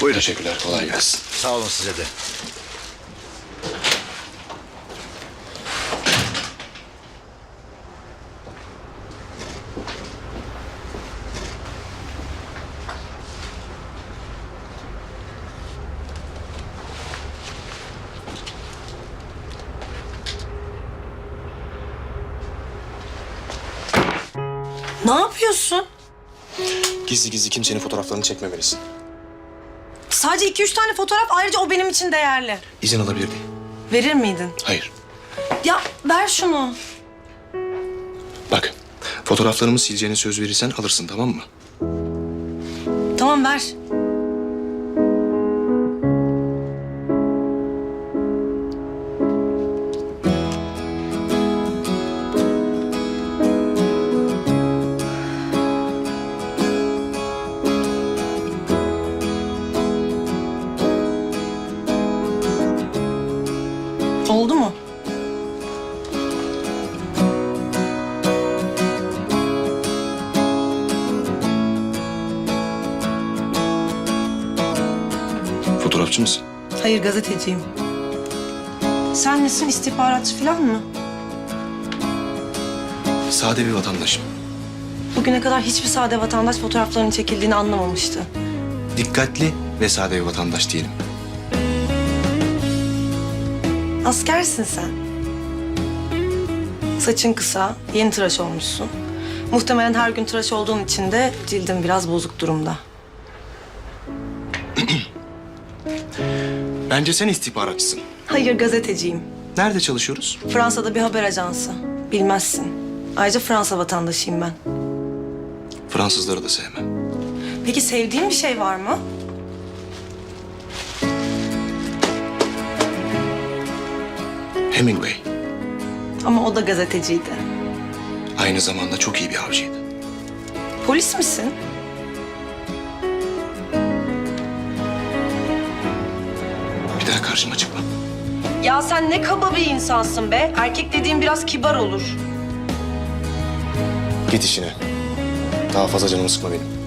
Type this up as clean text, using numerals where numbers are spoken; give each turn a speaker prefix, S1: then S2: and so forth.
S1: Buyurun. Teşekkürler. Kolay gelsin.
S2: Sağ olun size de.
S3: Ne yapıyorsun?
S1: Gizli gizli kimsenin fotoğraflarını çekmemelisin.
S3: Sadece 2-3 tane fotoğraf, ayrıca o benim için değerli.
S1: İzin alabilir miyim?
S3: Verir miydin?
S1: Hayır.
S3: Ya ver şunu.
S1: Bak, fotoğraflarımı sileceğine söz verirsen alırsın, tamam mı?
S3: Tamam ver. Oldu mu?
S1: Fotoğrafçı mısın?
S3: Hayır, gazeteciyim. Sen misin, istihbaratçı falan mı?
S1: Sade bir vatandaşım.
S3: Bugüne kadar hiçbir sade vatandaş fotoğraflarının çekildiğini anlamamıştı.
S1: Dikkatli ve sade bir vatandaş diyelim.
S3: Askersin sen. Saçın kısa, yeni tıraş olmuşsun. Muhtemelen her gün tıraş olduğun için de cildin biraz bozuk durumda.
S1: Bence sen istihbaratçısın.
S3: Hayır, gazeteciyim.
S1: Nerede çalışıyoruz?
S3: Fransa'da bir haber ajansı. Bilmezsin. Ayrıca Fransa vatandaşıyım ben.
S1: Fransızları da sevmem.
S3: Peki sevdiğin bir şey var mı?
S1: Hemingway.
S3: Ama o da gazeteciydi.
S1: Aynı zamanda çok iyi bir avcıydı.
S3: Polis misin?
S1: Bir daha karşıma çıkma.
S3: Ya sen ne kaba bir insansın be. Erkek dediğin biraz kibar olur.
S1: Git işine. Daha fazla canımı sıkma benim.